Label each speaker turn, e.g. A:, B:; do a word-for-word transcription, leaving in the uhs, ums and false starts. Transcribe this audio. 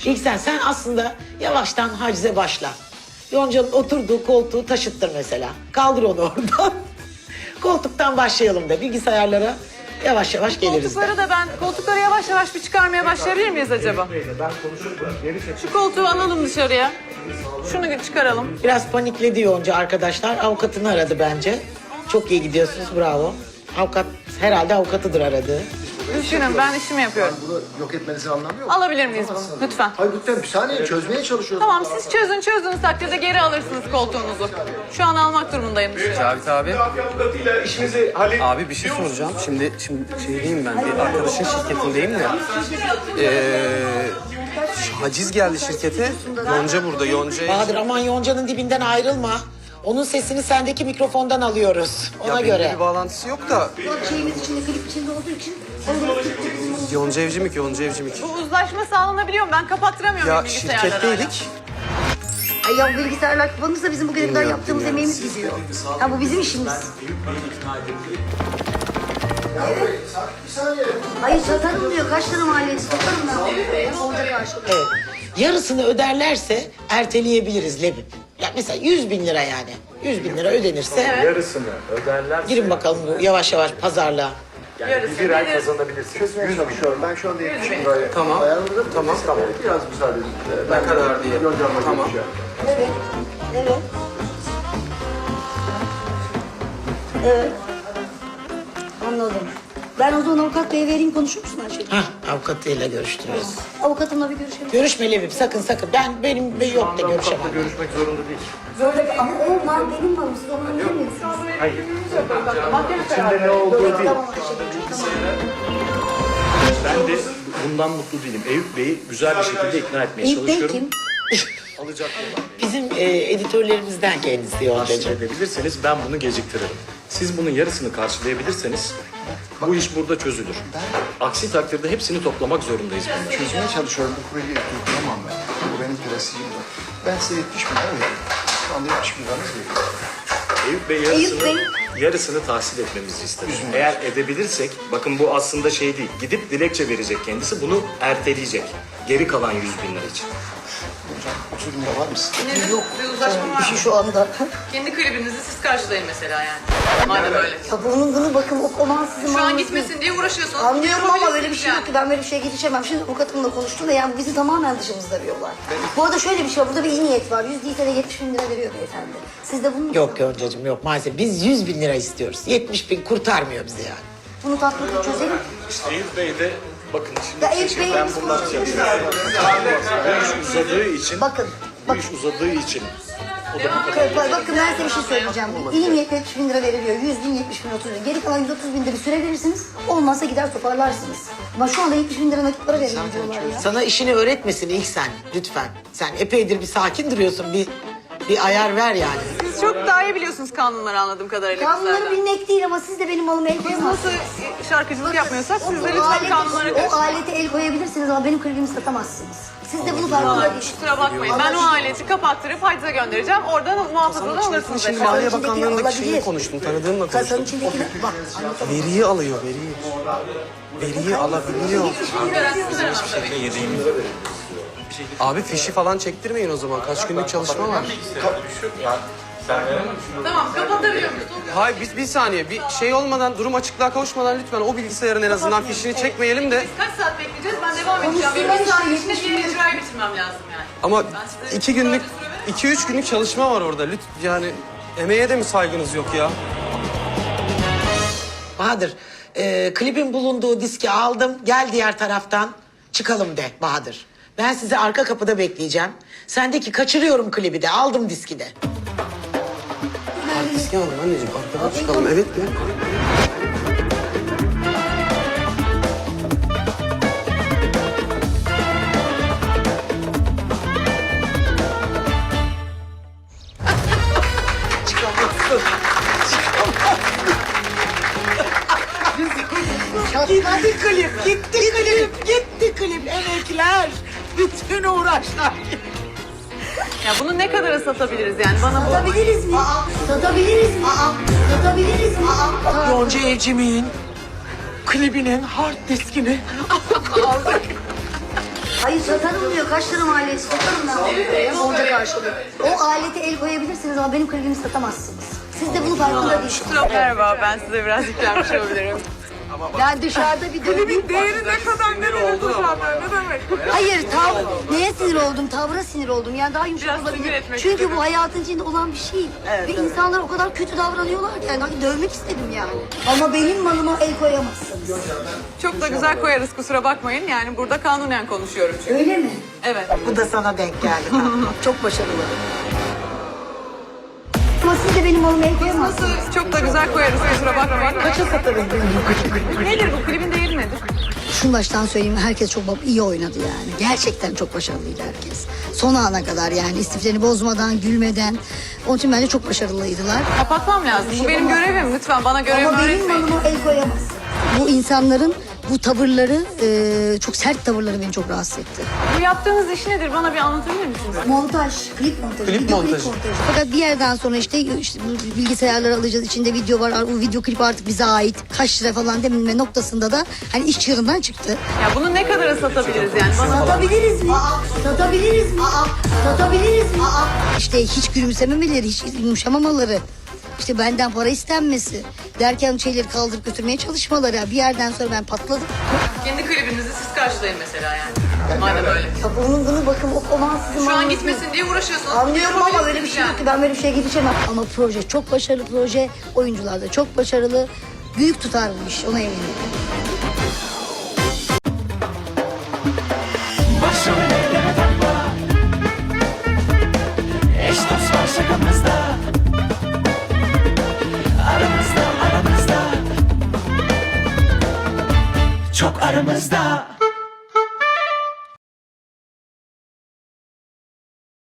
A: İlk sen, sen aslında yavaştan hacize başla. Yonca'nın oturduğu koltuğu taşıttır mesela. Kaldır onu oradan. Koltuktan başlayalım da bilgisayarlara yavaş yavaş geliriz de.
B: Koltukları da ben, koltukları yavaş yavaş bir çıkarmaya başlayabilir miyiz acaba? Şu koltuğu alalım dışarıya. Şunu çıkaralım.
A: Biraz panikledi Yonca arkadaşlar. Avukatını aradı bence. Çok iyi gidiyorsunuz, bravo. Avukat, herhalde avukatıdır aradığı.
B: Düşünün, ben işimi yapıyorum.
C: Bunu yok etmenizin anlamı yok.
B: Alabilir miyiz bunu? Lütfen.
C: Hayır lütfen bir saniye çözmeye çalışıyorum.
B: Tamam, siz çözün, çözdüğünüz takdirde geri alırsınız koltuğunuzu. Şu an almak durumundayım.
D: Cavit abi.
E: Avukatıyla işimizi hallet.
D: Abi bir şey soracağım. Şimdi şimdi şey diyeyim ben bir arkadaşın şirketindeyim de. Ee, şu haciz geldi şirkete. Yonca burada. Yonca.
A: Bahadır aman Yonca'nın dibinden ayrılma. Onun sesini sendeki mikrofondan alıyoruz. Ona
D: Ya benimle
A: göre.
D: bir bağlantısı yok da.
F: Şeyimiz içinde, klip içinde olduğu için
D: Yonca Evcimik, Yonca Evcimik.
B: Bu uzlaşma sağlanabiliyor mu? Ben kapattıramıyorum
D: Ya
B: bilgisayarları.
D: şirketteydik.
F: Ay ya bilgisayarlar kapanırsa bizim bugüne kadar
D: Dinliyorum,
F: yaptığımız
D: dinliyorum.
F: emeğimiz gidiyor. Ha bu bizim işimiz.
C: Bir saniye.
F: Hayır satarım diyor. Kaç tane mahallesi satarım ben. Olacak karşılık.
A: Evet. Yarısını öderlerse erteleyebiliriz Lebip. Ya mesela yüz bin lira yani. Yüz bin lira ödenirse
E: Yarısını öderlerse
A: girin bakalım bu yavaş yavaş pazarlığa.
E: yani bir ay kazanabilirsiniz.
C: Çözmeye çalışıyorum. Ben şu anda yetmiş bin liraya
D: Tamam.
C: ayarladım.
D: Tamam.
C: Biraz müsaade edin.
D: Ne kadar diye.
C: Yoncamla
D: Tamam.
C: görüşeceğim.
F: Evet. Evet. Evet. Anladım. Ben o zaman avukat beye vereyim, konuşur musun her şeyi?
A: Hah, avukatıyla görüştürüyoruz.
F: Avukatımla bir görüşelim.
A: Görüşme Lebip, sakın sakın. Ben benim ve yok da görüşemem.
E: Avukatla görüşmek zorunda değil.
F: Böyle ama o mal benim malım. Siz onu bilmiyorsunuz.
E: Hayır. İçinde ne olduğu değil.
F: Tamam Ayşe'cim. Tamam.
E: Ben de bundan mutlu değilim. Eyüp Bey'i güzel bir şekilde ikna etmeye
F: İlk Bey
E: çalışıyorum.
F: kim?
E: Alacak olan.
A: Bizim e, editörlerimizden kendisi Yonca'cığım.
E: Edebilirseniz ben bunu geciktiririm. Siz bunun yarısını karşılayabilirseniz bu iş burada çözülür. Aksi takdirde hepsini toplamak zorundayız bunları.
C: Çözmeye çalışıyorum. Bu projeyi kurtulamam ben. Bu benim prensibim de. Ben size yetmiş bin lira veriyorum. Şu anda yetmiş bin liranız veriyorum.
E: Eyüp Bey yarısını, yarısını tahsil etmemizi ister. Eğer edebilirsek, bakın bu aslında şey değil, gidip dilekçe verecek kendisi, bunu erteleyecek. Geri kalan yüz bin lira için.
C: Hocam otuz bin lira var mı sizde?
B: Nedir? Bir uzlaşma var
F: İşi
B: mı?
F: şu anda.
B: Kendi klibinizi siz karşılayın mesela yani. Madem öyle.
F: Ya bunun bunu bakın o olan sizin
B: Şu an
F: malınız
B: gitmesin diye uğraşıyorsunuz.
F: Anlıyorum ama böyle bir şey
B: Yani.
F: yok ki. Ben böyle bir şeye girişemem. Şimdi avukatımla konuştum da yani bu bizi tamamen dışımızda bir olay. Bu arada şöyle bir şey var. Burada bir iyi niyet var. Yüz değilse de yetmiş bin lira veriyor beyefendi. Siz de bunu...
A: Yok Yonca'cığım yok maalesef. Biz yüz bin lira istiyoruz. yetmiş bin kurtarmıyor bizi yani.
F: Bunu tatlıca çözelim.
E: İşte Eyüp Bey de, bakın şimdi
F: Ya
E: bir şey
F: Eyüp Bey'le
E: ben
F: biz
E: bundan
F: konuşuyoruz.
E: bu iş uzadığı için,
F: Bakın.
E: bu iş uzadığı için
F: Bakın, bakın ben size bir şey söyleyeceğim. İyi niyetle yetmiş bin lira veriliyor. yüz bin, yetmiş bin, otuz bin. Geri kalan yüz otuz bin de bir süre verirsiniz. Olmazsa gider toparlarsınız. Ama şu anda yetmiş bin lira nakit para verin diyorlar ya.
A: Sana işini öğretmesin ilk sen lütfen. Sen epeydir bir sakin duruyorsun. Bir bir ayar ver yani.
B: Siz çok daha iyi biliyorsunuz kanunları anladığım kadarıyla.
F: Kanunları
B: bizlerden.
F: bilmek değil ama siz de benim malıma el
B: Biz
F: koyamazsınız.
B: nasıl şarkıcılık yapmıyorsak siz de
F: O
B: lütfen
F: aleti-
B: kanunlara
F: O
B: karışın.
F: alete el koyabilirsiniz ama benim klibimi satamazsınız. Siz de bunu farkında
B: Vallahi
F: değil.
B: kusura bakmayın. Ben o aleti kapattırıp hacize göndereceğim. Oradan muhafazadan alırsınız.
D: Şimdi
B: efendim.
D: Maliye
F: içindeki
D: Bakanlığı'ndaki
F: olabilir.
D: şeyle konuştum, tanıdığımla
F: Kasanın
D: konuştum.
F: içindekini bak.
D: Veriyi alıyor, veriyi. Veriyi alabiliyor. Abi fişi falan çektirmeyin o zaman. Kaç günlük çalışma var.
B: Tamam, kapatabiliyor muyuz?
D: Hayır biz bir saniye bir şey olmadan, durum açıklığa kavuşmadan lütfen o bilgisayarın en azından fişini çekmeyelim de.
B: Kaç saat bekleyeceğiz? Ben devam edeceğim. Benim
F: Konuşsunlar
B: bir saat
F: işte,
B: içinde diğer icrayı bitirmem lazım yani.
D: Ama
B: Ben size
D: iki günlük,
B: sadece süre veremem.
D: iki üç günlük çalışma var orada. Lütfen yani emeğe de mi saygınız yok ya?
A: Bahadır, e, klibin bulunduğu diski aldım. Gel diğer taraftan çıkalım de Bahadır. Ben sizi arka kapıda bekleyeceğim. Sendeki kaçırıyorum klibi de. Aldım diski de.
D: Diski aldım anneciğim. Arkadan çıkalım. Evet mi?
A: Çıkamazsın. Gitti klip, gitti klip, gitti klip. Emekler, bütün uğraşlar.
B: Ya bunu ne kadara satabiliriz yani? Bana bu...
F: Satabiliriz mi? Satabiliriz mi? Satabiliriz mi?
A: Yonca Evcimik'in klibinin hard diskini aldık.
F: Hayır satarım diyor. Kaç lira maliyeti satarım ben. Evet, Borca karşılığı. O alete el koyabilirsiniz ama benim klibimi satamazsınız. Siz de bunun farkında değilsiniz.
B: Merhaba, ben size biraz yüklenmiş olabilirim.
F: Yani dışarıda bir döveyim.
B: Değeri ne kadar nereye tutar ne demek?
F: Hayır, tav neye sinir oldum? Tavra sinir oldum. Yani daha yumuşak
B: Biraz sinir
F: olabilir.
B: etmek
F: Çünkü
B: istedim.
F: bu hayatın içinde olan bir şey. Ve insanlar o kadar kötü davranıyorlar ki. Yani hani dövmek istedim yani. Ama benim malıma el koyamazsınız.
B: Çok da güzel koyarız kusura bakmayın. Yani burada kanunen konuşuyorum çünkü.
F: Öyle mi?
B: Evet.
A: Bu da sana denk geldi.
F: Çok başarılı. Ama siz de benim malıma el koyamazsınız.
B: Çok da güzel koyarız kusura bakmayın.
A: Kaça satarız bu
B: Nedir bu? Klibin değeri nedir?
F: Şunu baştan söyleyeyim, herkes çok iyi oynadı yani. Gerçekten çok başarılıydı herkes. Son ana kadar yani istiflerini bozmadan, gülmeden. Onun için bence çok başarılıydılar.
B: Kapatmam lazım. Bu benim görevim. Lütfen bana görevimi
F: Ama benim
B: öğretmeyin.
F: malıma el koyamazsın. Bu insanların bu tavırları, e, çok sert tavırları beni çok rahatsız etti.
B: Bu yaptığınız iş nedir? Bana bir anlatabilir misiniz?
F: Montaj, klip montajı,
D: Klip
F: video
D: montajı.
F: klip montajı. Fakat bir yerden sonra işte, işte bu bilgisayarları alacağız, içinde video var, o video klip artık bize ait, kaç lira falan deminme noktasında da hani iş çığırından çıktı.
B: Ya bunu ne kadara satabiliriz yani? Bana
F: Satabiliriz mi? Satabiliriz mi? Satabiliriz mi? İşte hiç gülümsememeleri, hiç yumuşamamaları, işte benden para istenmesi derken şeyleri kaldırıp götürmeye çalışmaları. Bir yerden sonra ben patladım.
B: kendi klibinizi siz karşılayın mesela yani. Madem öyle.
F: Ya bunun bunu bakın o zaman sizin
B: Şu an
F: malınız
B: gitmesin diye uğraşıyorsunuz.
F: Anlıyorum ama
B: Yapabilirsiniz
F: öyle bir şey
B: yani.
F: yok ki, ben böyle bir şeye girişemem. Ama proje çok başarılı proje, oyuncular da çok başarılı. Büyük tutarmış, ona eminim.
G: Başımı elleme takma. Eş dost var şakamızda. Aramızda aramızda. Çok aramızda.